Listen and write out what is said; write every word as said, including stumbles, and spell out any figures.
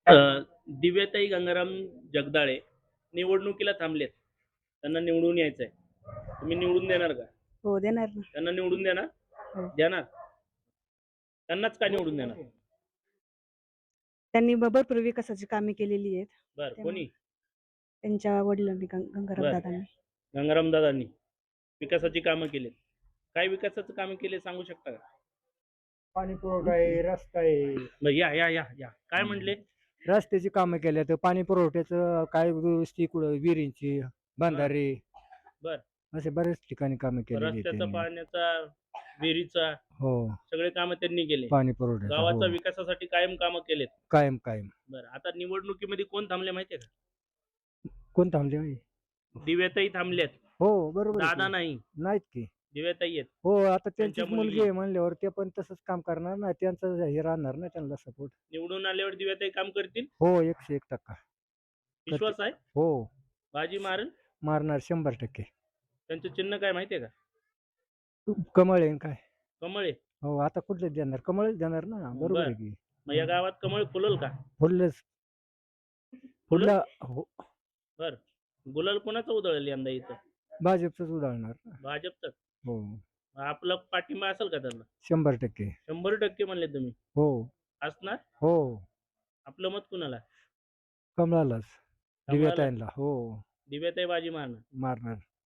अ, दिव्याताई गंगाराम जगदाळे निवडणुकीला थांबलेत. त्यांना निवडून यायचंय. तुम्ही निवडून देणार का? हो, देणार ना. त्यांना निवडून देणार? हो. देणार? त्यांनाच का निवडून देणार? त्यांनी ब भरपूर विकासाची कामे केलेली आहेत. बरं, त्यामुळे कोणी? त्यांच्या वडिलांनी गं गंगाराम बरं. दादांनी. गंगाराम दादांनी विकासाची कामं केलीत. काय विकासाचं कामं केले सांगू शकता का? पाणी पुरवठा आहे, रस्ता आहे. बरं, या, या, या, या. काय म्हटले? रस्त्याची कामं केल्या तर पाणी पुरवठ्याचं काय दुरुस्ती कुठं विहिरींची, बंधारे बरं. असे बरेच ठिकाणी कामं केलेली आहेत रस्त्याचा, त्यांनी. पाण्याचा, विहिरीचा हो, सगळे कामं त्यांनी केले. पाणी पुरवठ्याचं गावाच्या हो, विकासासाठी कायम कामं केलेत. कायम कायम. बरं, आता निवडणुकीमध्ये कोण थांबले माहितीये का? कोण थांबले होय? दिव्याताई थांबल्यात. हो, बरोबर आहे दादा की. नाही, नाहीत की. दिव्याताई आहेत. हो, आता त्यांच्या त्यांचीच मुलगी. मुलगी आहे म्हणल्यावर ते पण तसंच काम करणार ना, त्यांचं हे राहणार ना त्यांना सपोर्ट. निवडून आल्यावर दिव्याताई काम करतील? हो, एकशे एक टक्का. विश्वास आहे? हो, बाजी मारेल? मारणार शंभर टक्के. त्यांचं चिन्ह काय माहितीये का? कमळ आहे न काय? कमळ आहे. हो, आता कुठले देणार? कमळच देणार ना, बरोबर आहे बरं. की. मग या गावात कमळ फुलल का? फुललंच. फुलल? फुलला हो, बरं. गुलाल कोणाचा उधळेल यंदा इथं? भाजपचंच उधळणार ना. भाजपचाच. हो, आपला पाठिंबा असेल का त्यांना? शंभर टक्के. शंभर टक्के म्हणले तुम्ही. हो, असणार? हो. आपलं मत कुणाला? कमळालाच. कमळाला? दिव्याताईंना. हो, दिव्याताई बाजी मारणार. मारणार.